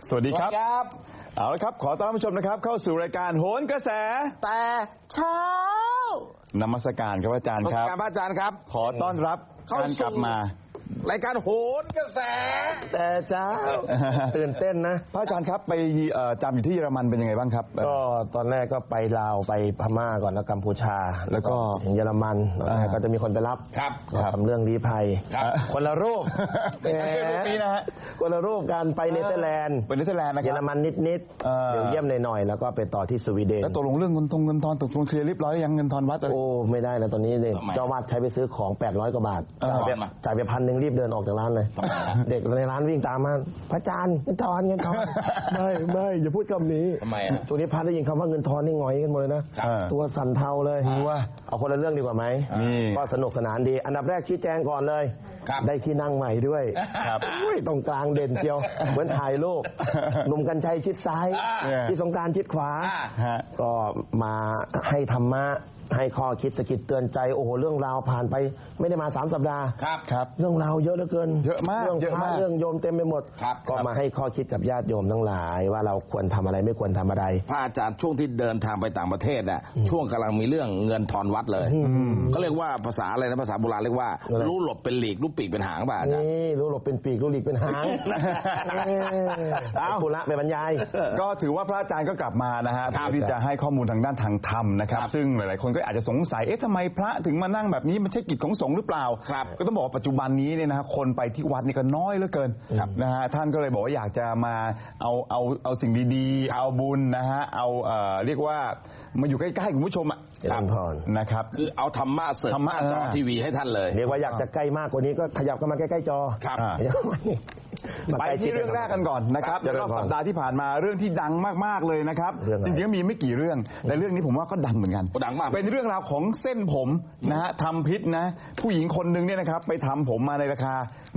สวัสดีครับเอาละครับขอต้อนรับผู้ชมนะครับเข้าสู่รายการโหนกระแสแต่เช้านมัสการครับอาจารย์ครับนมัสการพระอาจารย์ครับขอต้อนรับการกลับมารายการโหนกระแสแต่เช้าตื่นเต้นนะพระอาจารย์ครับไปจำอยู่ที่เยอรมันเป็นยังไงบ้างครับก็ตอนแรกก็ไปลาวไปพม่าก่อนแล้วกัมพูชาแล้วก็ถึงเยอรมันก็จะมีคนไปรับทำเรื่องลี้ภัยคนละรูปนี้นะฮะคนละรูปการไปเนเธอร์แลนด์นะครับเยอรมันนิดเดี๋ยวเยี่ยมหน่อยๆแล้วก็ไปต่อที่สวีเดนแล้วตกลงเรื่องเงินทอนตกลงเคลียร์เรียบร้อยยังเงินทอนวัดโอ้ไม่ได้แล้วตอนนี้เนี่ยเจ้าวาดใช้ไปซื้อของ800 กว่าบาทจ่ายไป1,000รีบเดินออกจากร้านเลยเด็กในร้านวิ่งตามมาพระอาจารย์เงินทอนไม่อย่าพูดคำนี้ทำไมช่วงนี้พระได้ยินคำว่าเงินทอนนี่หงอยกันหมดเลยนะตัวสั่นเทาเลยเอาคนละเรื่องดีกว่าไหมก็สนุกสนานดีอันดับแรกชี้แจงก่อนเลยได้ที่นั่งใหม่ด้วยตรงกลางเด่นเชียวเหมือนถ่ายรูปหนุ่มกรรชัยชิดซ้ายที่สงกรานต์ชิดขวาก็มาให้ธรรมะให้ข้อคิดสะกิดเตือนใจโอ้โหเรื่องราวผ่านไปไม่ได้มา3 สัปดาห์ครับเรื่องราวเยอะเหลือเกินเยอะมากเรื่องโยมเต็มไปหมดก็มาให้ข้อคิดกับญาติโยมทั้งหลายว่าเราควรทำอะไรไม่ควรทำอะไรพระอาจารย์ช่วงที่เดินทางไปต่างประเทศน่ะช่วงกำลังมีเรื่องเงินทอนวัดเลยเขาเรียกว่าภาษาอะไรนะภาษาโบราณเรียกว่ารู้หลบเป็นหลีกรู้ปีกเป็นหางป่ะอาจารย์นี่รู้หลบเป็นปีกรู้หลีกเป็นหางเอาปุระไปบรรยายก็ถือว่าพระอาจารย์ก็กลับมานะฮะที่จะให้ข้อมูลทางด้านทางธรรมนะครับซึ่งหลายๆคนก็อาจจะสงสัยทำไมพระถึงมานั่งแบบนี้มันใช่กิจของสงฆ์หรือเปล่าก็ต้องบอกว่าปัจจุบันนี้เนี่ยนะคนไปที่วัดนี่ก็น้อยเหลือเกินนะฮะท่านก็เลยบอกว่าอยากจะมาเอาสิ่งดีๆเอาบุญนะฮะเอาเรียกว่ามาอยู่ใกล้ๆคุณผู้ชมนะครับคือเอาธรรมะเสริมหน้าจอทีวีให้ท่านเลยเรียกว่าอยากจะใกล้มากกว่านี้ก็ขยับเข้ามาใกล้ๆจอไปที่เรื่องแรกกันก่อนนะครับรอบสัปดาห์ที่ผ่านมาเรื่องที่ดังมากๆเลยนะครับจริงๆมีไม่กี่เรื่องแต่เรื่องนี้ผมว่าก็ดังเหมือนกันดังมากเป็นเรื่องราวของเส้นผมนะฮะทำพิษนะผู้หญิงคนหนึ่งเนี่ยนะครับไปทำผมมาในราคา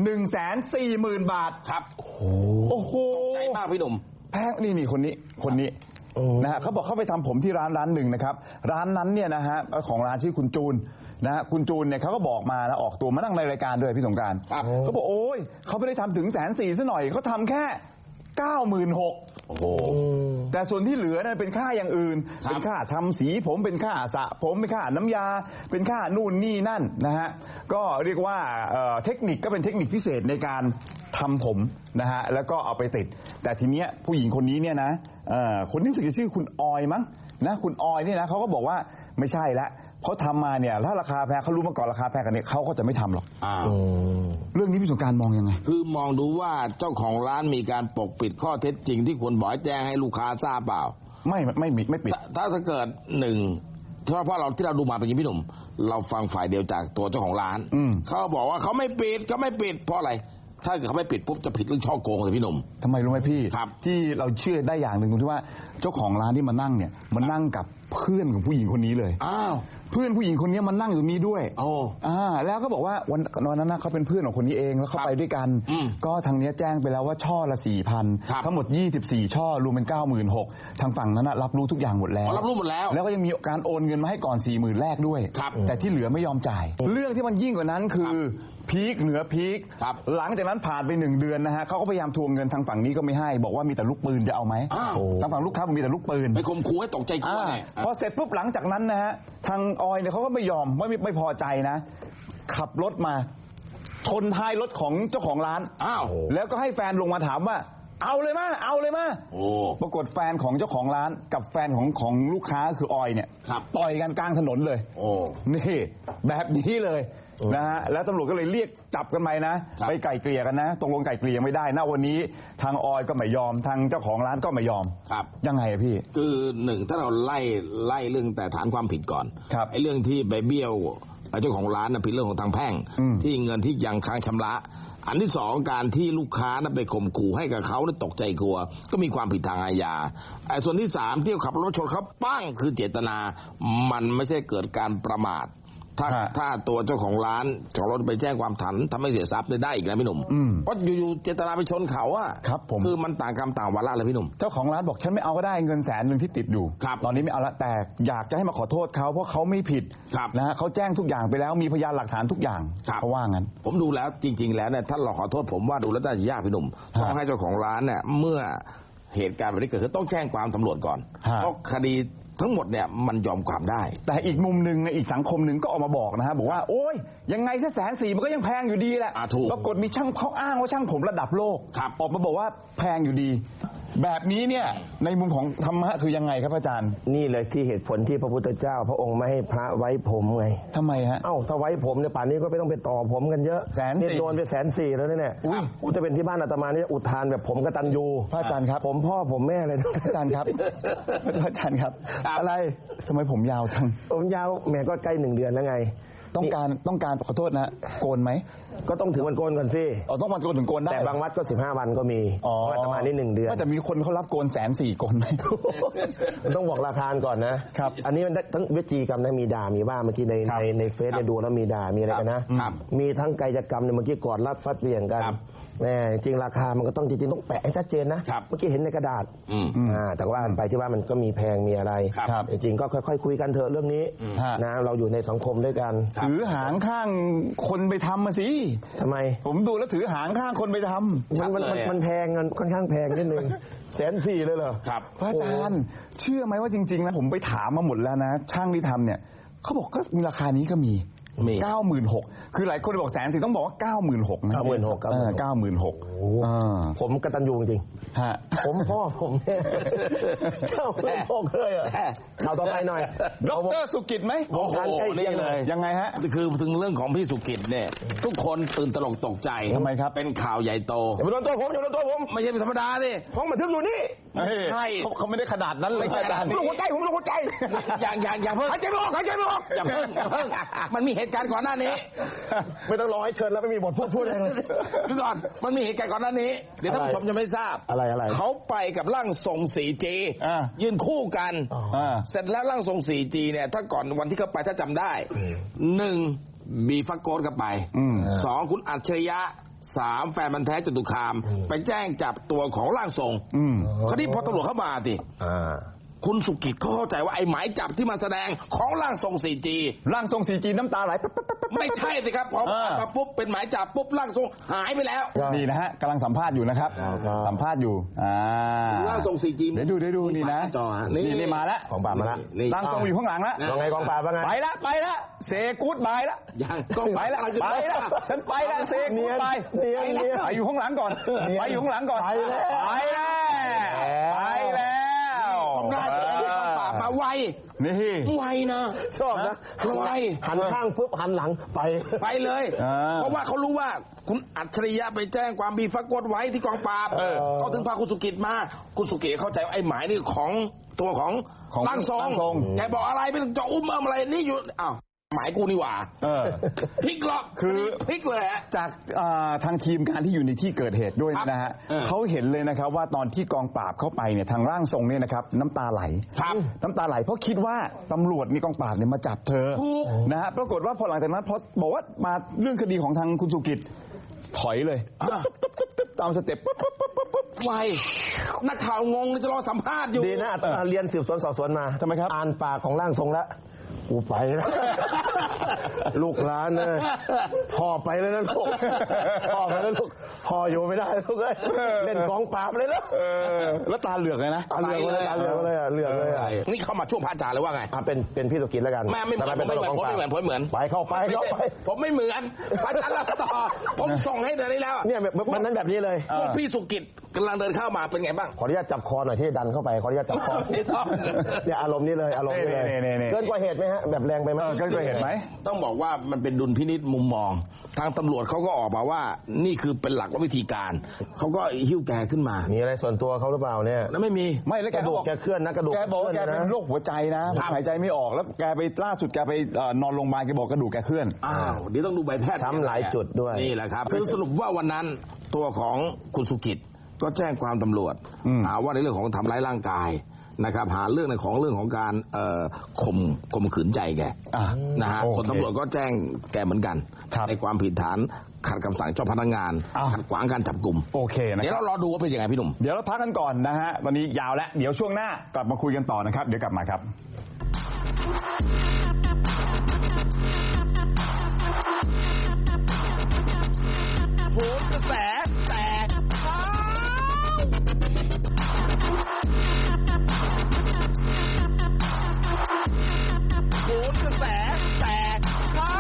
140,000 บาทครับโอ้โหใจมากพี่หนุ่มแพงนี่คนนี้นะฮะเขาบอกเขาไปทำผมที่ร้านหนึ่งนะครับร้านนั้นเนี่ยนะฮะของร้านชื่อคุณจูนนะฮะคุณจูนเนี่ยเขาก็บอกมานะออกตัวมานั่งในรายการด้วยพี่สงกรานต์เขาบอกโอ้ยเขาไม่ได้ทำถึง140,000ซะหน่อยเขาทำแค่96,000 โอ้โหแต่ส่วนที่เหลือนั้นเป็นค่าอย่างอื่นเป็นค่าทำสีผมเป็นค่าสระผมเป็นค่าน้ำยาเป็นค่านู่นนี่นั่นนะฮะก็เรียกว่าเทคนิคก็เป็นเทคนิคพิเศษในการทำผมนะฮะแล้วก็เอาไปติดแต่ทีเนี้ยผู้หญิงคนนี้เนี่ยนะคนที่ชื่อคุณออยมั้งนะคุณออยเนี่ยนะเขาก็บอกว่าไม่ใช่ละเขาทำมาเนี่ยถ้าราคาแพงเขารู้มาก่อนราคาแพงกันเนี่ยเขาก็จะไม่ทำหรอกเรื่องนี้พี่สงกรานต์มองยังไงคือมองดูว่าเจ้าของร้านมีการปกปิดข้อเท็จจริงที่ควรบอกแจ้งให้ลูกค้าทราบเปล่าไม่ปิดถ้าเกิดหนึ่งเพราะเราที่เราดูมาเป็นอย่างพี่หนุ่มเราฟังฝ่ายเดียวจากตัวเจ้าของร้านเขาบอกว่าเขาไม่ปิดเพราะอะไรถ้าเกิดเขาไม่ปิดปุ๊บจะผิดเรื่องช่อโกงเลยพี่หนุ่มทำไมรู้ไหมพี่ครับที่เราเชื่อได้อย่างหนึ่งตรงที่ว่าเจ้าของร้านที่มานั่งเนี่ยมันนั่งกับเพื่อนของผู้หญิงคนนี้เลยเพื่อนผู้หญิงคนนี้มันนั่งอยู่นี้ด้วยแล้วก็บอกว่าวันนั้นเขาเป็นเพื่อนของคนนี้เองแล้วเขาไปด้วยกันก็ทางนี้แจ้งไปแล้วว่าช่อละ 4,000 ทั้งหมด24ช่อรวมเป็น 96,000 ทางฝั่งนั้นรับรู้ทุกอย่างหมดแล้วแล้วก็ยังมีการโอนเงินมาให้ก่อน 40,000 แรกด้วยแต่ที่เหลือไม่ยอมจ่ายเรื่องที่มันยิ่งกว่านั้นคือพีคเหนือพีคหลังจากนั้นผ่านไป1 เดือนนะฮะเขาก็พยายามทวงเงินทางฝั่งนี้ก็ไม่ให้บอกว่ามีแต่ลูกปืนจะเอาไหมทางฝั่งลูกค้ามีแต่ลูกปืนไปข่มขู่ให้ตกใจกลัวพอเสร็จปุ๊บหลังจากนั้นนะฮะทางออยเนี่ยเขาก็ไม่ยอมไม่พอใจนะขับรถมาชนท้ายรถของเจ้าของร้านแล้วก็ให้แฟนลงมาถามว่าเอาเลยมาปรากฏแฟนของเจ้าของร้านกับแฟนของลูกค้าคือออยเนี่ยต่อยกันกลางถนนเลยนี่แบบนี้เลยนะฮะแล้วตำรวจก็เลยเรียกจับกันไปนะไปไกล่เกลี่ยกันนะตกลงไกล่เกลี่ยไม่ได้นะวันนี้ทางออยก็ไม่ยอมทางเจ้าของร้านก็ไม่ยอมยังไงพี่คือหนึ่งถ้าเราไล่เรื่องแต่ฐานความผิดก่อนไอ้เรื่องที่ไปเบี้ยวเจ้าของร้านนะผิดเรื่องของทางแพ่งที่เงินที่ยังค้างชำระอันที่สองการที่ลูกค้านั้นไปข่มขู่ให้กับเขานั้นตกใจกลัวก็มีความผิดทางอาญาส่วนที่สามที่ขับรถชนเขาปั้งคือเจตนามันไม่ใช่เกิดการประมาทถ้าตัวเจ้าของร้านของรถไปแจ้งความถันทำให้เสียทรัพย์ได้อีกนะพี่หนุ่มเพราะอยู่ๆเจตนาไปชนเขาอะครับผมคือมันต่างกรรมต่างวาระเลยพี่หนุ่มเจ้าของร้านบอกฉันไม่เอาก็ได้เงิน100,000ที่ติดอยู่ตอนนี้ไม่เอาละแต่อยากจะให้มาขอโทษเขาเพราะเขาไม่ผิดนะฮะเขาแจ้งทุกอย่างไปแล้วมีพยานหลักฐานทุกอย่างเขาว่างั้นผมดูแล้วจริงๆแล้วเนี่ยท่านรอขอโทษผมว่าดูแล้วน่าจะยากพี่หนุ่มต้องให้เจ้าของร้านเนี่ยเมื่อเหตุการณ์แบบนี้เกิดขึ้นต้องแจ้งความตำรวจก่อนเพราะคดีทั้งหมดเนี่ยมันยอมความได้แต่อีกมุมหนึ่งในอีกสังคมหนึ่งก็ออกมาบอกนะฮะบอกว่าโอ๊ยยังไงซะ140,000มันก็ยังแพงอยู่ดีแหละปรากฏมีช่างเขาอ้างว่าช่างผมระดับโลกออกมาบอกว่าแพงอยู่ดีแบบนี้เนี่ยในมุมของธรรมะคือยังไงครับอาจารย์นี่เลยที่เหตุผลที่พระพุทธเจ้าพระองค์ไม่ให้พระไว้ผมไงทำไมฮะถ้าไว้ผมเนี่ยป่านนี้ก็ไม่ต้องไปต่อผมกันเยอะ 140,000 โดนไป140,000แล้วเนี่ยจะเป็นที่บ้านอาตมานี่อุทานแบบผมกตัญญูพระอาจารย์ครับผมพ่อผมแม่เลยอาจารย์ครับพระอาจารย์ครับอะไรทำไมผมยาวจังผมยาวแม่ก็ใกล้1 เดือนแล้วไงต้องการขอโทษนะโกนไหมก็ต้องถึงวันโกนก่อนสิต้องวันโกนถึงโกนได้แต่บางวัดก็15 วันก็มีอาตมานี่1 เดือนแต่มีคนเขารับโกน140,000โกนไหมมันต้องบอกราคาก่อนนะครับอันนี้มันทั้งวิจีกรรมนะมีด่ามีว่าเมื่อกี้ในเฟซดูแล้วมีด่ามีอะไรกันนะมีทั้งกายกรรมเมื่อกี้กอดรัดฟัดเบี่ยงกันแม่จริงราคามันก็ต้องจริงๆต้องแปะให้ชัดเจนนะเมื่อกี้เห็นในกระดาษแต่ว่าไปที่ว่ามันก็มีแพงมีอะไรจริงๆก็ค่อยๆคุยกันเถอะเรื่องนี้นะเราอยู่ในสังคมด้วยกันถือหางข้างคนไปทำมาสิทำไมผมดูแล้วถือหางข้างคนไปทำมันแพงเงินค่อนข้างแพงนิดนึง140,000เลยเหรอครับพระอาจารย์เชื่อไหมว่าจริงๆนะผมไปถามมาหมดแล้วนะช่างที่ทำเนี่ยเขาบอกก็มีราคานี้ก็มี96,000คือหลายคนบอก140,000ต้องบอกว่า96,000นะ96,000 ผมกตัญญูจริงผมพ่อผมเนี่ย96,000เลยอ่ะข่าวต่อไปหน่อยดร.สุกิจไหมโอ้โหนี่เลยยังไงฮะคือถึงเรื่องของพี่สุกิจเนี่ยทุกคนตื่นตระหนกตกใจทำไมครับเป็นข่าวใหญ่โตอย่าไปโดนตัวผมไม่ใช่ธรรมดาสิห้องบันทึกอยู่นี่ใช่เขาไม่ได้ขนาดนั้นเลยอาจารย์ผมลงหัวใจอย่าเพิ่งหายใจไม่ออกอย่าเพิ่งมันมีเหตุการณ์ก่อนหน้านี้ไม่ต้องรอให้เชิญแล้วไม่มีบทพูดอะไรเลยดูก่อนมันมีเหตุการณ์ก่อนหน้านี้เดี๋ยวท่านผู้ชมจะไม่ทราบอะไรเขาไปกับร่างทรง 4G ยืนคู่กันเสร็จแล้วร่างทรง 4G เนี่ยถ้าก่อนวันที่เขาไปถ้าจำได้1มีฟักโกดกับไป2คุณอัจฉริยะ3แฟนมันแท้จตุคามไปแจ้งจับตัวของร่างทรงคราวนี้พอตำรวจเข้ามาสิคุณสุกิจเขาเข้าใจว่าไอ้หมายจับที่มาแสดงของร่างทรง 4G ร่างทรง 4G น้ำตาไหลไม่ใช่สิครับพอมาปุ๊บเป็นหมายจับปุ๊บร่างทรงหายไปแล้วนี่นะฮะกำลังสัมภาษณ์อยู่นะครับสัมภาษณ์อยู่ร่างทรง 4G เดี๋ยวดูนี่นะนี่มาแล้วกองปราบมาแล้วร่างทรงอยู่ข้างหลังแล้วว่าไงกองปราบว่าไงไปละเซกู๊ดบายละไปละฉันไปละเซกู๊ดบายไปอยู่ข้างหลังก่อนไปอยู่ข้างหลังก่อนไปแล้วต้องได้มาไวนี่ไวนะชอบนะไวหันข้างปุ๊บหันหลังไปเลยเพราะว่าเขารู้ว่าคุณอัจฉริยะไปแจ้งความมีฟักกดไว้ที่กองปราบเขาถึงพาคุณสุกิจมาคุณสุกิจเข้าใจว่าไอ้หมายนี่ของตัวของร่างทรงแกบอกอะไรไม่ต้องจะอุ้มอะไรนี่อยู่อ้าวหมายกูนี่หว่าพลิกล็อกคือพลิกเลยจากทางทีมการที่อยู่ในที่เกิดเหตุด้วยนะฮะเขาเห็นเลยนะครับว่าตอนที่กองปราบเข้าไปเนี่ยทางร่างทรงเนี่ยนะครับน้ำตาไหลน้ำตาไหลเพราะคิดว่าตำรวจนี่กองปราบเนี่ยมาจับเธอนะฮะปรากฏว่าพอหลังจากนั้นพอบอกว่ามาเรื่องคดีของทางคุณสุกิจถอยเลยตามสเต็ปไวนักข่าวงงจะรอสัมภาษณ์อยู่ดีนะเรียนสืบสวนสอบสวนมาทำไมครับอ่านปากของร่างทรงแล้วกูไปแล้วลูกหลานเลยพ่อไปแล้วนะลูกพ่อไปแล้วลูกพ่ออยู่ไม่ได้ลูกเลยเล่นกองปราบเลยแล้วแล้วตาเหลือกเลยนะตาเหลือกเลยเหลือกเลยนี่เข้ามาช่วงพระอาจารย์เลยว่าไงเป็นพี่สุกิจแล้วกันไม่เหมือนผมไม่เหมือนไปเข้าไปผมไม่เหมือนพระอาจารย์รับต่อผมส่งให้เดี๋ยวนี้แล้วเนี่ยมันนั้นแบบนี้เลยพี่สุกิจกำลังเดินเข้ามาเป็นไงบ้างขออนุญาตจับคอหน่อยที่ดันเข้าไปขออนุญาตจับคอเนี่ยอารมณ์นี้เลยอารมณ์นี้เลยเกินกว่าเหตุไหมฮะแบบแรงไปไหมเกินกว่าเหตุไหมต้องบอกว่ามันเป็นดุลพินิจมุมมองทางตำรวจเขาก็ออกมาว่านี่คือเป็นหลักวิธีการเขาก็หิ้วแกขึ้นมามีอะไรส่วนตัวเขาหรือเปล่าเนี่ยแล้วไม่มีแล้วกระดูกแกเคลื่อนนะกระดูกแกบอกแกเป็นโรคหัวใจนะหายใจไม่ออกแล้วแกไปล่าสุดแกไปนอนโรงพยาบาลแกบอกกระดูกแกเคลื่อนเดี๋ยวต้องดูใบแพทย์ช้ำหลายจุดด้วยนี่แหละครับคือสรุปว่าวันนั้นตัวของคุณสุกิจก็แจ้งความตำรวจว่าในเรื่องของทำร้ายร่างกายนะครับหาเรื่องในของการข่มขืนใจแกนะฮะคนตำรวจก็แจ้งแกเหมือนกันในความผิดฐานขัดคำสั่งเจ้าพนักงานขัดขวางการจับกุมโอเคนะเดี๋ยวเรารอดูว่าเป็นยังไงพี่หนุ่มเดี๋ยวเราพักกันก่อนนะฮะตอนนี้ยาวแล้วเดี๋ยวช่วงหน้ากลับมาคุยกันต่อนะครับเดี๋ยวกลับมาครับโหนกระแสแตกเช้าโหนกระแสแตกเช้า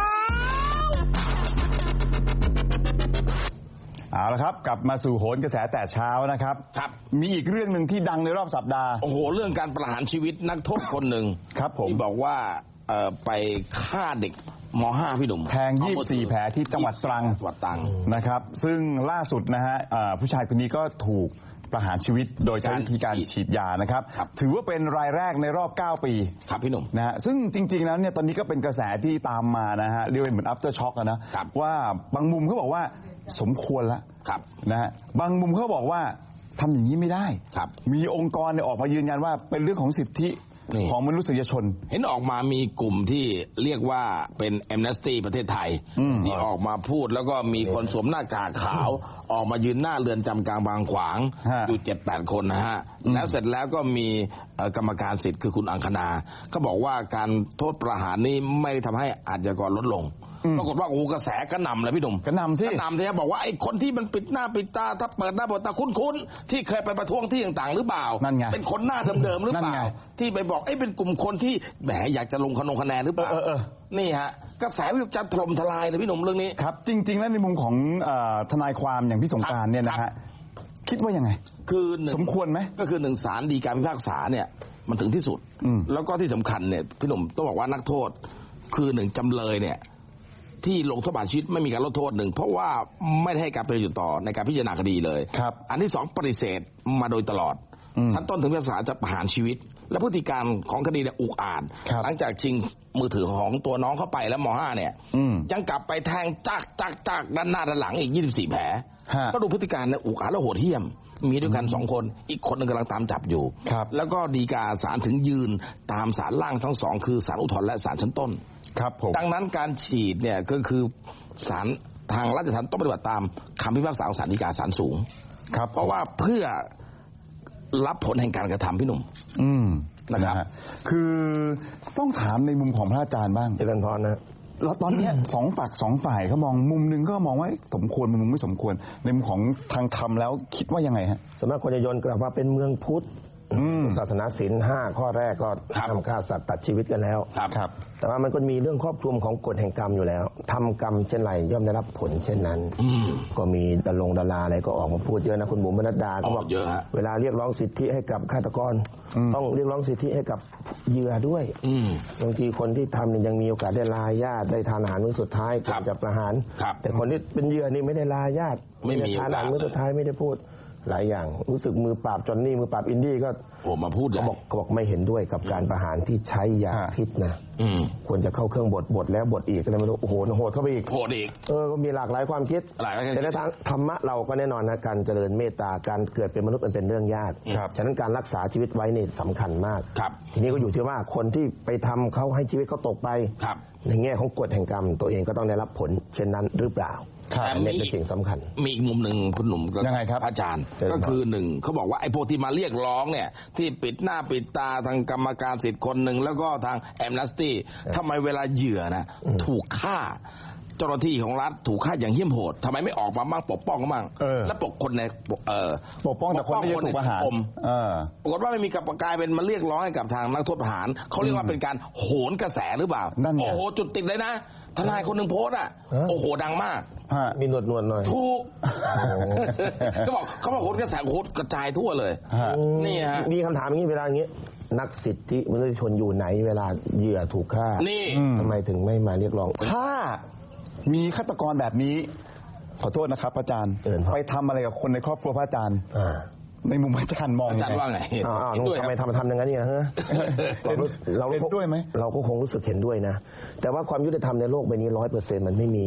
เอาละครับกลับมาสู่โหนกระแสแต่เช้านะครับครับมีอีกเรื่องหนึ่งที่ดังในรอบสัปดาห์โอ้โหเรื่องการประหารชีวิตนักโทษคนหนึ่งครับผมที่บอกว่าไปฆ่าเด็กม.5 พี่หนุ่มแทง24แผลที่จังหวัดตรังนะครับซึ่งล่าสุดนะฮะผู้ชายคนนี้ก็ถูกประหารชีวิตโดยใช้วิธีการฉีดยานะครับถือว่าเป็นรายแรกในรอบ9ปีครับพี่หนุ่มนะฮะซึ่งจริงๆแล้วเนี่ยตอนนี้ก็เป็นกระแสที่ตามมานะฮะเรียกว่าเหมือน after shock นะว่าบางมุมเขาบอกว่าสมควรแล้วนะฮะบางมุมเขาบอกว่าทำอย่างนี้ไม่ได้มีองค์กรเนี่ยออกมายืนยันว่าเป็นเรื่องของสิทธิของมนุษยชนเห็นออกมามีกลุ่มที่เรียกว่าเป็นแอมเนสตี้ประเทศไทยที่ออกมาพูดแล้วก็มีคนสวมหน้ากากขาวออกมายืนหน้าเรือนจำกลางบางขวางอยู่ 7-8 คนนะฮะแล้วเสร็จแล้วก็มีกรรมการสิทธิ์คือคุณอังคณาเขาบอกว่าการโทษประหารนี้ไม่ทำให้อาชญากรลดลงปรากฏว่าโอ้กระแสกระหน่ำเลยพี่หนุ่มกระหน่ำสิกระหน่ำที่บอกว่าไอ้คนที่มันปิดหน้าปิดตาถ้าเปิดหน้าเปิดตาคุ้นๆที่เคยไปประท้วงที่ต่างๆหรือเปล่านั่นไงเป็นคนหน้าเดิมๆหรือเปล่าที่ไปบอกไอ้เป็นกลุ่มคนที่แหมอยากจะลงคะแนนหรือเปล่านี่ฮะกระแสวิจารณ์ถล่มทลายเลยพี่หนุ่มเรื่องนี้ครับจริงๆแล้วในมุมของทนายความอย่างพี่สงกรานต์เนี่ยนะฮะคิดว่ายังไงคือสมควรไหมก็คือหนึ่งศาลฎีกาพิพากษาเนี่ยมันถึงที่สุดแล้วก็ที่สำคัญเนี่ยพี่หนุ่มต้องบอกว่านักโทษคือหนึ่งจำเลยเนี่ยที่ลงโทษประหารชีวิตไม่มีการลดโทษหนึ่งเพราะว่าไม่ได้ให้การประโยชน์ต่อในการพิจารณาคดีเลยอันที่สองปฏิเสธมาโดยตลอดชั้นต้นถึงพิพากษาจะประหารชีวิตและพฤติการของคดีเนี่ยอุกอาจหลังจากชิงมือถือของตัวน้องเข้าไปแล้วม.5เนี่ยยังกลับไปแทงจักด้านหน้าด้านหลังอีก24แผลก็ดูพฤติการเนี่ยอุกอาจและโหดเหี้ยมมีด้วยกัน2คนอีกคนนึงกำลังตามจับอยู่แล้วก็ฎีกาศาลถึงยืนตามศาลล่างทั้งสองคือศาลอุทธรณ์และศาลชั้นต้นครับผมดังนั้นการฉีดเนี่ยก็คือศาลทางราชทัณฑ์ต้องปฏิบัติตามคำพิพากษาของศาลฎีกาศาลสูงครับเพราะว่าเพื่อรับผลแห่งการกระทำพี่หนุ่มนะครับคือต้องถามในมุมของพระอาจารย์บ้างเจริญพรนะแล้วตอนนี้สองฝ่ายเขามองมุมนึงก็มองว่าสมควรมุมไม่สมควรในมุมของทางธรรมแล้วคิดว่ายังไงฮะสำนักคนจะโยนกลับว่าเป็นเมืองพุทธศาสนาศีล5ข้อแรกก็ทำฆ่าสัตว์ตัดชีวิตกันแล้วครับแต่ว่ามันก็มีเรื่องครอบคลุมของกฎแห่งกรรมอยู่แล้วทำกรรมเช่นไรย่อมได้รับผลเช่นนั้นก็มีดาราอะไรก็ออกมาพูดเยอะนะคุณบุ๋มบรรดาก็บอกเวลาเรียกร้องสิทธิให้กับฆาตกรต้องเรียกร้องสิทธิให้กับเหยื่อด้วยบางทีคนที่ทำเนี่ยยังมีโอกาสได้ลาญาติได้ทานอาหารมื้อสุดท้ายก่อนจะประหารแต่คนที่เป็นเหยื่อนี่ไม่ได้ลาญาติไม่มีทานอาหารมื้อสุดท้ายไม่ได้พูดหลายอย่างรู้สึกมือปราบจอนนี่มือปราบอินดี้ก็มาพูดเขาบอกไม่เห็นด้วยกับการประหารที่ใช้ยาพิษนะควรจะเข้าเครื่องบดแล้วบดอีกอะไรไม่รู้โอ้โหโหดเข้าไปอีกโหดอีกก็มีหลากหลายความคิดแต่ในทางธรรมะเราก็แน่นอนนะการเจริญเมตตาการเกิดเป็นมนุษย์มันเป็นเรื่องยากฉะนั้นการรักษาชีวิตไว้นี่สำคัญมากทีนี้ก็อยู่ที่ว่าคนที่ไปทำเขาให้ชีวิตเขาตกไปในแง่ของกฎแห่งกรรมตัวเองก็ต้องได้รับผลเช่นนั้นหรือเปล่าแต่นี่เป็นสิ่งสำคัญมีอีกมุมหนึ่งคุณหนุ่มยังไงครับอาจารย์ก็คือหนึ่งเขาบอกว่าไอ้พวกที่มาเรียกร้องเนี่ยที่ปิดหน้าปิดตาทางกรรมการสิทธิ์คนหนึ่งแล้วก็ทางแอมเนสตี้ทำไมเวลาเหยื่อนะถูกฆ่าเจ้าหน้าที่ของรัฐถูกฆ่าอย่างเหี้ยมโหดทำไมไม่ออกมาบ้างปกป้องกันบ้างและปกคนในปกป้องแต่คนที่ถูกประหารปรากฏว่าไม่มีกับกลายเป็นมาเรียกร้องให้กับทางนักโทษประหารเขาเรียกว่าเป็นการโหนกระแสหรือเปล่าโอ้โหจุดติดเลยนะทนายคนหนึ่งโพสต์โอ้โหดังมากมีหนวดหน่อยถูกเขาบอกโหนกระแสโหนกระจายทั่วเลยนี่ฮะมีคำถามอย่างนี้เวลาอย่างนี้นักสิทธิมนุษยชนอยู่ไหนเวลาเหยื่อถูกฆ่านี่ทำไมถึงไม่มาเรียกร้องถ้ามีฆาตกรแบบนี้ขอโทษนะครับพระอาจารย์ไปทำอะไรกับคนในครอบครัวพระอาจารย์ในมุมอาจารย์มองอาจารย์ว่าไงทำไมทำอย่างนั้นเนี่ยฮะเราเห็นด้วยไหมเราก็คงรู้สึกเห็นด้วยนะแต่ว่าความยุติธรรมในโลกใบนี้100%มันไม่มี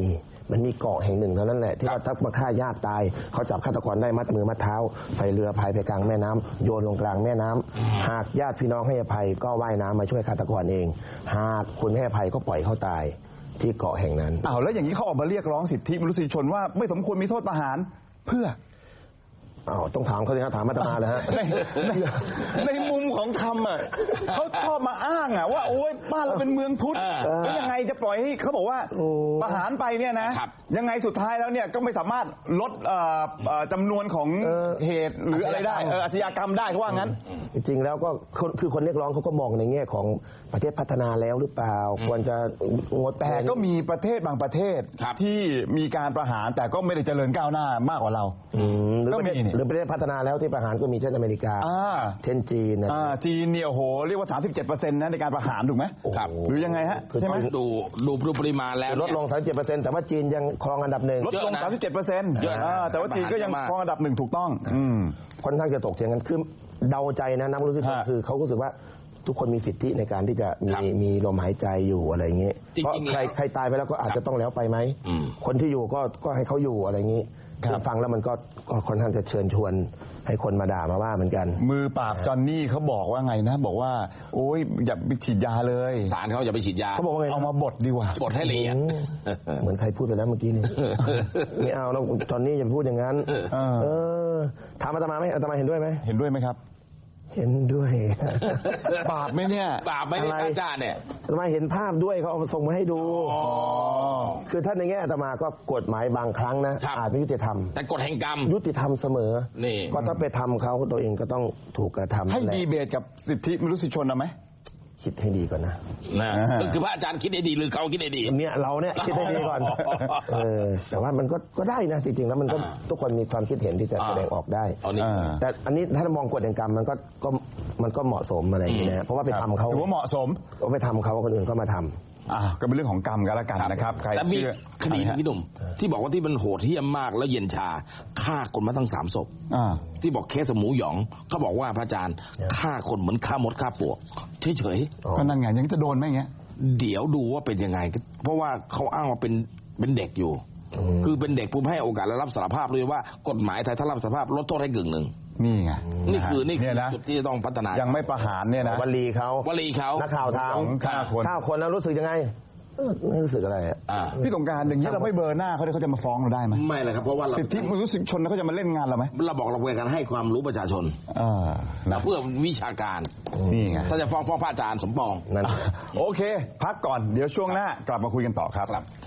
มันมีเกาะแห่งหนึ่งเท่านั้นแหละที่ว่าถ้ามาฆ่าญาติตายเขาจับฆาตกรได้มัดมือมัดเท้าใส่เรือพายไปกลางแม่น้ำโยนลงกลางแม่น้ำหากญาติพี่น้องให้อภัยก็ว่ายน้ำมาช่วยฆาตกรเองหากคุณให้อภัยก็ปล่อยเขาตายที่เกาะแห่งนั้นแล้วอย่างนี้เขาออกมาเรียกร้องสิทธิมนุษยชนว่าไม่สมควรมีโทษประหารเพื่อต้องถามเขาสิครับถามอาตมาเลยฮะในมุมของธรรมเขาชอบมาอ้างว่าโอ๊ยบ้านเราเป็นเมืองพุทธแล้วยังไงจะปล่อยให้เขาบอกว่าประหารไปเนี่ยนะยังไงสุดท้ายแล้วเนี่ยก็ไม่สามารถลดจำนวนของเหตุหรืออะไรได้อาชญากรรมได้เขาว่างั้นจริงๆแล้วก็คือคนเรียกร้องเขาก็มองในแง่ของประเทศพัฒนาแล้วหรือเปล่าควรจะงดแต่ก็มีประเทศบางประเทศที่มีการประหารแต่ก็ไม่ได้เจริญก้าวหน้ามากกว่าเราก็มีหรือประเทศพัฒนาแล้วที่ประหารก็มีเช่นอเมริกาเช่นจีนจีนเนี่ยโอ้โหเรียกว่า 37% นะในการประหารถูกไหมครับหรือยังไงฮะใช่ไหมดูปริมาณแล้วลดลง 37%แต่ว่าจีนยังครองอันดับหนึ่งลดลง 37%แต่ว่าจีนก็ยังครองอันดับหนึ่งถูกต้องค่อนข้างจะตกเถียงกันคือเดาใจนะนักรู้สึกคือเขารู้สึกว่าทุกคนมีสิทธิในการที่จะมีลมหายใจอยู่อะไรอย่างเงี้ยเพราะใครตายไปแล้วก็อาจจะต้องแล้วไปไหมคนที่อยู่ก็ให้เขาอยู่อะไรอย่างงี้ฟังแล้วมันก็ค่อนข้างจะเชิญชวนให้คนมาด่ามาว่าเหมือนกันมือปราบจอนนี่เขาบอกว่าไงนะบอกว่าโอ๊ยอย่าไปฉีดยาเลยศาลเขาอย่าไปฉีดยาเขาบอกว่าไงเอามาบดดีกว่าบดให้ละเอียดเหมือนใครพูดไปแล้วเมื่อกี้นี่ไม่เอาแล้วจอนนี่อย่าพูดอย่างนั้นถามอาตมาไหมอาตมาเห็นด้วยไหมเห็นด้วยไหมครับเห็นด้วยบาปไหมเนี่ยบาปไหมอาจารย์เนี่ยอาตมาเห็นภาพด้วยเขาเอามาส่งมาให้ดูคือท่านในแง่อาตมาก็กฎหมายบางครั้งนะอาจไม่ยุติธรรมแต่กฎแห่งกรรมยุติธรรมเสมอนี่ก็ถ้าไปทำเขาตัวเองก็ต้องถูกกระทำให้ดีเบตกับสิทธิมนุษยชนเอาไหมคิดให้ดีก่อนนะคือพระอาจารย์คิดให้ดีหรือเขาคิดให้ดีเนี่ยเราเนี่ยคิดให้ดีก่อนแต่ว่ามันก็ได้นะจริงๆแล้วมันก็ทุกคนมีความคิดเห็นที่จะแสดงออกได้แต่อันนี้ถ้ามองกฎแห่งกรรมมันก็เหมาะสมอะไรอย่างนี้นะเพราะว่าไปทำเขาถือว่าเหมาะสมก็ไปทำเขาคนอื่นก็มาทำก็เป็นเรื่องของกรรมกันละกันนะครับใครเชื่อคดีพี่หนุ่มที่บอกว่าที่มันโหดเหี้ยมมากแล้วเย็นชาฆ่าคนมาตั้ง3 ศพที่บอกเคสหมูหยองเขาบอกว่าพระอาจารย์ฆ่าคนเหมือนฆ่ามดฆ่าปลวกเฉยๆก็นั่นไงยังจะโดนไหมเงี้ยเดี๋ยวดูว่าเป็นยังไงเพราะว่าเขาอ้างว่าเป็นเด็กอยู่คือเป็นเด็กผู้ให้โอกาสและรับสารภาพเลยว่ากฎหมายไทยถ้ารับสารภาพลดโทษให้กึ่งหนึ่งนี่ไงนี่คือจุดที่ต้องพัฒนายังไม่ประหารเนี่ยนะวลีเขานักข่าวถาม9 คนแล้วรู้สึกยังไงไม่รู้สึกอะไรพี่สงการอย่างนี้เราไม่เบอร์หน้าเขาจะมาฟ้องเราได้ไหมไม่เลยครับเพราะว่าสิทธิมนุษยชนเขาจะมาเล่นงานเราไหมเราบอกเราเป็นการให้ความรู้ประชาชนเพื่อวิชาการนี่ไงถ้าจะฟ้องพระอาจารย์สมปองนั่นโอเคพักก่อนเดี๋ยวช่วงหน้ากลับมาคุยกันต่อครับ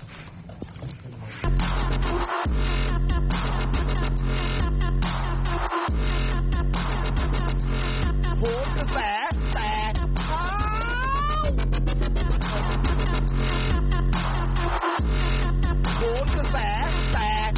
โหกระแสแตกโหกระแสแตก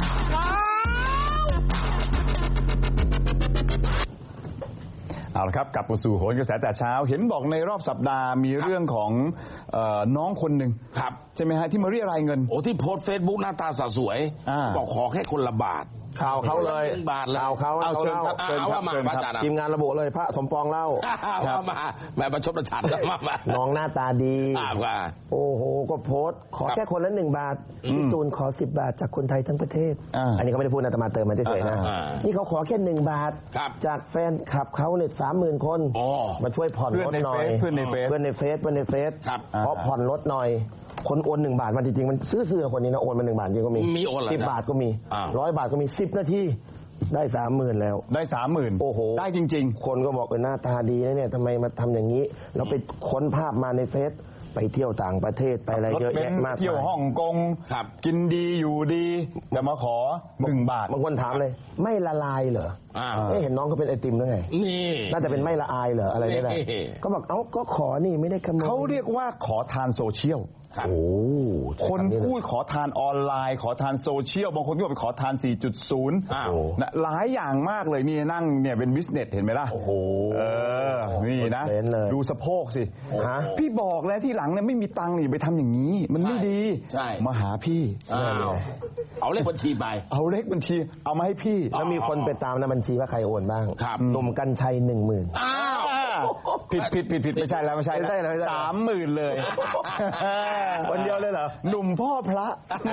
เอาละครับกลับมาสู่โหนกระแสแต่เช้าเห็นบอกในรอบสัปดาห์มีเรื่องของน้องคนหนึ่งใช่ไหมฮะที่มาเรียรายเงินที่โพสเฟซบุ๊กหน้าตาสวยบอกขอแค่คนละบาทข่าวเขาเลยบาทเลยเอาเชิญครับทีมงานระบุเลยพระสมปองเล่ามาแม่ประชดประชันมาน้องหน้าตาดีโอ้โหก็โพสขอแค่คนละ1 บาทพี่ตูนขอ10 บาทจากคนไทยทั้งประเทศอันนี้เขาไม่ได้พูดนะแต่มาเติมมาเฉยๆนะนี่เขาขอแค่1 บาทจากแฟนคลับเขาเนี่ย30,000 คนมาช่วยผ่อนรถหน่อยเพื่อนในเฟซเพราะผ่อนรถหน่อยคนโอน1 บาทมาจริงๆมันซื้อคนนี้นะโอนมา1 บาทจริงก็มีโอน 10 บาทก็มี100 บาทก็มี10 นาทีได้ 30,000 แล้วได้ 30,000โอ้โหได้จริงๆคนก็บอกเป็นหน้าตาดีนะเนี่ยทำไมมาทำอย่างนี้แล้วไปค้นภาพมาในเฟซไปเที่ยวต่างประเทศไปอะไรเยอะแยะมากเที่ยวฮ่องกงกินดีอยู่ดีจะมาขอ1 บาทบางคนถามเลยไม่ละลายเหรอเห็นน้องเขาเป็นไอติมด้วยไงนี่น่าจะเป็นไม่ละอายเหรออะไรนี่แหละก็บอกก็ขอนี่ไม่ได้ขโมยเขาเรียกว่าขอทานโซเชียลคนพูดขอทานออนไลน์ขอทานโซเชียลบางคนก็ไปขอทาน 4.0 นะหลายอย่างมากเลยนี่นั่งเนี่ยเป็นบิสเนสเห็นไหมล่ะโอ้โหนี่นะดูสะโพกสิพี่บอกแล้วที่หลังเนี่ยไม่มีตังค์นี่ไปทำอย่างนี้มันไม่ดีมาหาพี่เอาเลขบัญชีไปเอาเลขบัญชีเอามาให้พี่แล้วมีคนไปตามในบัญชีว่าใครโอนบ้างหนุ่มกรรชัย 10,000 ผิดไม่ใช่แล้วไม่ใช่แล้ว30,000เลยคนเดียวเลยเหรอหนุ่มพ่อพระ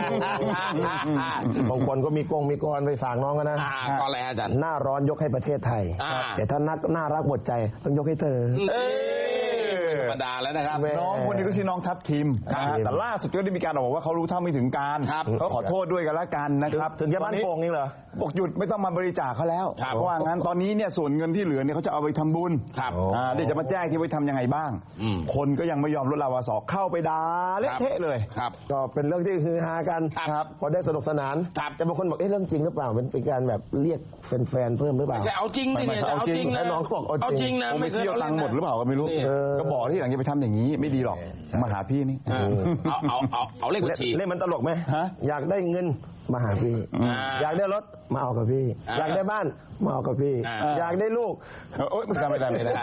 บางคนก็มีกรไปฝากน้องกันนะก็อะไรอาจารย์หน้าร้อนยกให้ประเทศไทย แต่ถ้าน่ารักหมดใจต้องยกให้เธอธรรมดาแล้วนะครับน้องคนนี้ก็ชื่อน้องทัพทิมแต่ล่าสุดก็ได้มีการบอกว่าเขารู้เท่าไม่ถึงการเขาขอโทษด้วยกันละกันนะครับถึงจะบ้านโป่งนี่เหรอบอกหยุดไม่ต้องมาบริจาคเขาแล้วเพราะว่างั้นตอนนี้เนี่ยส่วนเงินที่เหลือเนี่ยเขาจะเอาไปทำบุญเดี๋ยวจะมาแจ้งที่ไว้ทำยังไงบ้างคนก็ยังไม่ยอมลดลาวาสอกเข้าไปด่าเละเทะเลยก็เป็นเรื่องที่ฮือฮากันพอได้สนุกสนานแต่บางคนบอกเรื่องจริงหรือเปล่าเป็นการแบบเรียกแฟนๆเพิ่มหรือเปล่าจะเอาจริงดิเนี่ยเอาจริงนะน้องบอกเอาจริงนะไม่เที่ยวตังค์หมดหรือเปล่าก็ไม่รู้ก็บอกที่หลังจะไปทำอย่างนี้ไม่ดีหรอกมาหาพี่นี่เอาเลขบัญชีเล่นมันตลกไหมอยากได้เงินมาหาพี่อยากได้รถมาเอากับพี่อยากได้บ้านมาเอากับพี่อยากได้ลูกไม่ได้เลย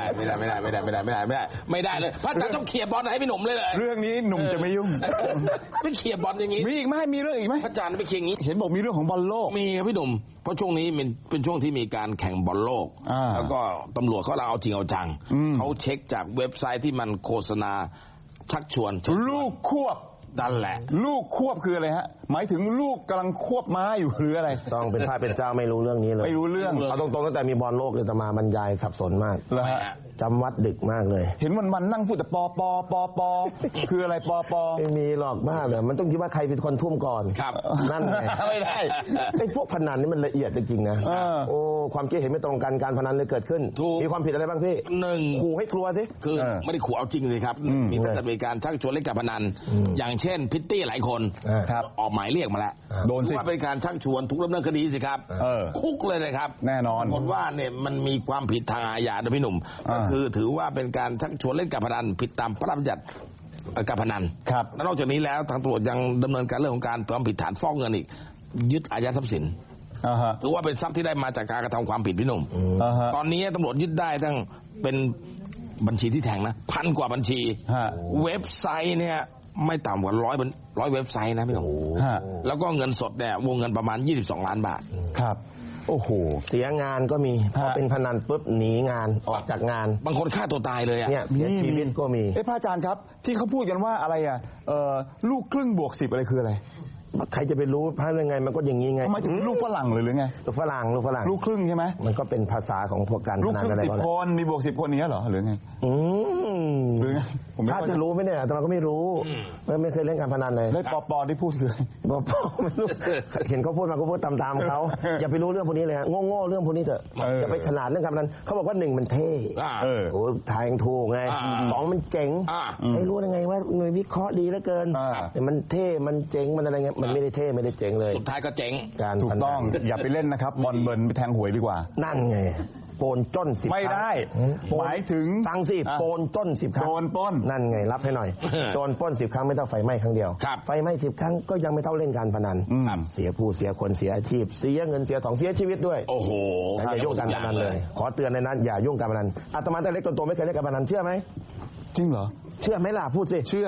พระอาจารย์ต้องเขี่ยบอลให้พี่หนุ่มเลยเรื่องนี้หนุ่มจะไม่ยุ่งไม่เขี่ยบอลอย่างนี้มีอีกไหมมีเรื่องอีกไหมพระอาจารย์ไม่เขี่ยอย่างนี้เห็นบอกมีเรื่องของบอลโลกมีครับพี่หนุ่มเพราะช่วงนี้เป็นช่วงที่มีการแข่งบอลโลกแล้วก็ตำรวจเขาเอาจริงเอาจังเขาเช็คจากเว็บไซต์ที่มันโฆษณาชักชวนลูกควบนั่นแหละลูกควบคืออะไรฮะหมายถึงลูกกำลังควบม้าอยู่หรืออะไรต้องเป็นพระเป็นเจ้าไม่รู้เรื่องนี้เลยไม่รู้เรื่องเอาตรงๆตั้งแต่มีบอลโลกเลยจะมาบรรยายสับสนมากแล้วฮะจำวัดดึกมากเลยเห็นวันนั่งพูดแต่ปอคืออะไรปอไม่มีหรอกมากเลยมันต้องคิดว่าใครเป็นคนทุ่มก่อนครับนั่นไงไม่ได้ไอ้พวกพนันนี่มันละเอียดจริงๆนะโอ้ความคิดเห็นไม่ตรงกันการพนันเลยเกิดขึ้นมีความผิดอะไรบ้างพี่ 1 ขู่ให้กลัวสิคือไม่ได้ขู่เอาจริงเลยครับมีแต่มีการชักชวนเล่นการพนันอย่างเช่นพิตตี้หลายคนออกหมายเรียกมาแล้วโดนสิว่าเป็นการชักชวนถูกดำเนินคดีสิครับคุกเลยนะครับแน่นอนผลว่าเนี่ยมันมีความผิดทางอาญาด้วยพี่หนุ่มก็คือถือว่าเป็นการชักชวนเล่นการพนันผิดตามพระราชบัญญัติการพนันและนอกจากนี้แล้วทางตำรวจยังดำเนินการเรื่องของการความผิดฐานฟอกเงินอีกยึดอายัดทรัพย์สินถือว่าเป็นทรัพย์ที่ได้มาจากการกระทำความผิดพี่หนุ่มตอนนี้ตำรวจยึดได้ตั้งเป็นบัญชีที่แทงนะ1,000 กว่าบัญชีเว็บไซต์เนี่ยไม่ต่ำกว่า100เว็บไซต์นะพี่หนุ่มแล้วก็เงินสดเนี่ยวงเงินประมาณ22 ล้านบาทครับโอ้โหเสียงานก็มีพอเป็นพนันปุ๊บหนีงานออกจากงานบางคนฆ่าตัวตายเลยอ่ะเนี่ยเสียชีวิตก็มีพระอาจารย์ครับที่เขาพูดกันว่าอะไรอ่ะลูกครึ่งบวก10อะไรคืออะไรใครจะไปรู้พระยังไงมันก็อย่างนี้ไงหมายถึงลูกฝรั่งหรือไงลูกฝรั่งลูกครึ่งใช่ไหมมันก็เป็นภาษาของพวกการลูกครึ่ง10 คนมีบวก10 คนนี้เหรอหรือไงหรือไงผมถ้าจะรู้ไหมเนี่ยแต่เราก็ไม่รู้ไม่เคยเล่นการพนันเลยแล้วปอที่พูดเลยปอไม่รู้เห็นเขาพูดมาก็พูดตามเขาอย่าไปรู้เรื่องพวกนี้เลยโง่เรื่องพวกนี้เถอะอย่าไปฉลาดเรื่องการพนันเขาบอกว่า1มันเท่โอ้ทายถูกไง2มันเจ๋งไม่รู้ยังไงว่าหน่วยวิเคราะห์ดีเหลือเกินแต่มันเท่มันเจ๋งมันอะไรเงี้ยมันไม่ได้เท่ไม่ได้เจ๋งเลยสุดท้ายก็เจ๋งการถูกต้องอย่าไปเล่นนะครับบอลเบิร์นไปแทงหวยดีกว่านั่นไงโปนจ้น10 ไม่ได้หมายถึงฟังสิโปนจ้น10 ครั้งโจรปล้นนั่นไงรับให้หน่อยโจรปล้น10 ครั้งไม่เท่าไฟไหม้ครั้งเดียวไฟไหม้10 ครั้งก็ยังไม่เท่าเล่นการพนันเสียผู้เสียคนเสียอาชีพเสียเงินเสียทองเสียชีวิตด้วยโอ้โหอย่ายุ่งการพนันเลยขอเตือนเลยนะอย่ายุ่งการพนันอาตมาแต่เล็กจนโตไม่เคยเล่นการพนันเชื่อไหมจริงเหรอเชื่อไหมล่ะพูดสิเชื่อ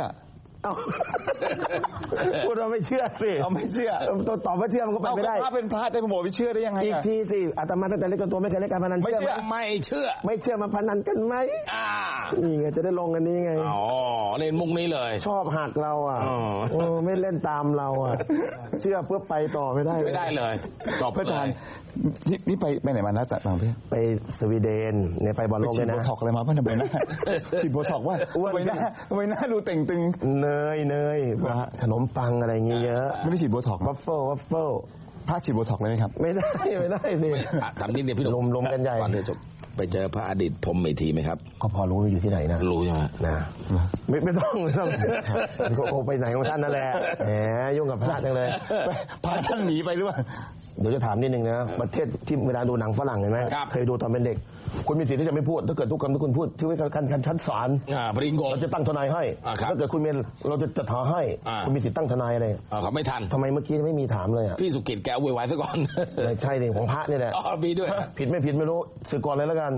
พูดว่าไม่เชื่อสิเอาไม่เชื่อตอบว่าเชื่อมันก็ไปไม่ได้ถ้าเป็นพระแต่ผมบอกไม่เชื่อได้ยังไงอีกทีสิอาตมาตั้งแต่เล็กจนโตไม่เคยเล่นการพนันไม่เชื่อไม่เชื่อมาพนันกันไหมนี่ไงจะได้ลงกันนี้ไงอ๋อเล่นมุกนี้เลยชอบหักเราอ่ะไม่เล่นตามเราอ่ะเชื่อเพื่อไปต่อไม่ได้เลยจบพระอาจารย์นี่ไปไหนมานะจากต่างประเทศไปสวีเดนเนี่ยไปบอลโลกเลยนะฉีดโบท็อกอะไรมาบ้างทำไมนะฉีดโบท็อกว่าทำไมหน้าดูเต่งตึงเนยขนมปังอะไรเงี้ยเยอะไม่ได้ฉีดโบท็อกวัฟเฟิลพระฉีดโบท็อกเลยไหมครับไม่ได้สิทำนิดเดียวพี่ลมกันใหญ่ก่อนจบไปเจอพระอดีตพรหมเมธีไหมครับก็พอรู้อยู่ที่ไหนนะรู้ใช่ไหมนะไม่ต้องก็ไปไหนของท่านนั่นแหละแหมยุ่งกับพระจังเลยพระท่านหนีไปหรือเปล่าเดี๋ยวจะถามนิดนึงนะประเทศที่เวลาดูหนังฝรั่งเห็นไหมเคยดูตอนเป็นเด็กคุณมีสิทธิ์ที่จะไม่พูดถ้าเกิดทุกคำที่คุณพูดที่ไว้กันชั้นศาลปริงโกเราจะตั้งทนายให้ถ้าเกิดคุณเมนเราจะจัดหาให้คุณมีสิทธิ์ตั้งทนายอะไรเขาไม่ทันทำไมเมื่อกี้ไม่มีถามเลยพี่สุกิจแกวุ่นวายซะก่อนใช่ดิของพระนี่แหละมีด้วยผิดไม่ผิดไม่รู้สึกก่อนเลยแล้วกัน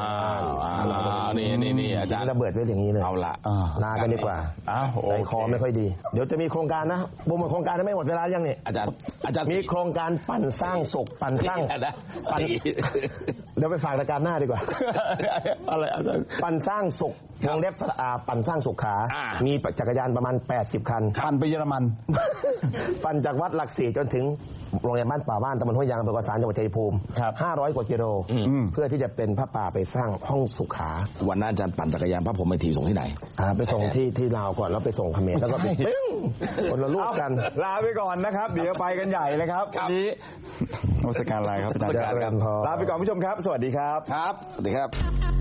นี่อาจารย์ระเบิดไว้อย่างนี้เลยเอาละลากันดีกว่าใจคอไม่ค่อยดีเดี๋ยวจะมีโครงการนะบุ้มโครงการไม่หมดเวลายังนี่อาจารย์มีโครงการปั่นสร้างสุขปั่นสร้างเดี๋ยวไปฝากรายการหน้าดีกว่าอะไรปั่นสร้างสุขวงเล็บสระอาปั่นสร้างสุขขา มีจักรยานประมาณ80 คันปั่นไปเยอรมันปั่นจากวัดหลักสี่จนถึงโรงเรียนบ้านป่าบ้านตำบลห้วยยางอำเภอกระสานจังหวัดชัยภูมิ500 กว่ากิโลเพื่อที่จะเป็นพระป่าไปสร้างห้องสุขาวันนั้นอาจารย์ปั่นจักรยานพระผมไปถีส่งที่ไหนไปส่งที่ลาวก่อนแล้วไปส่งเขมรแล้วก็ไปคนละลูกกันลาไปก่อนนะครับเดี๋ยวไปกันใหญ่เลยครับวันนี้นมัสการอะไรครับอาจารย์ลาไปก่อนผู้ชมครับสวัสดีครับครับสวัสดีครับ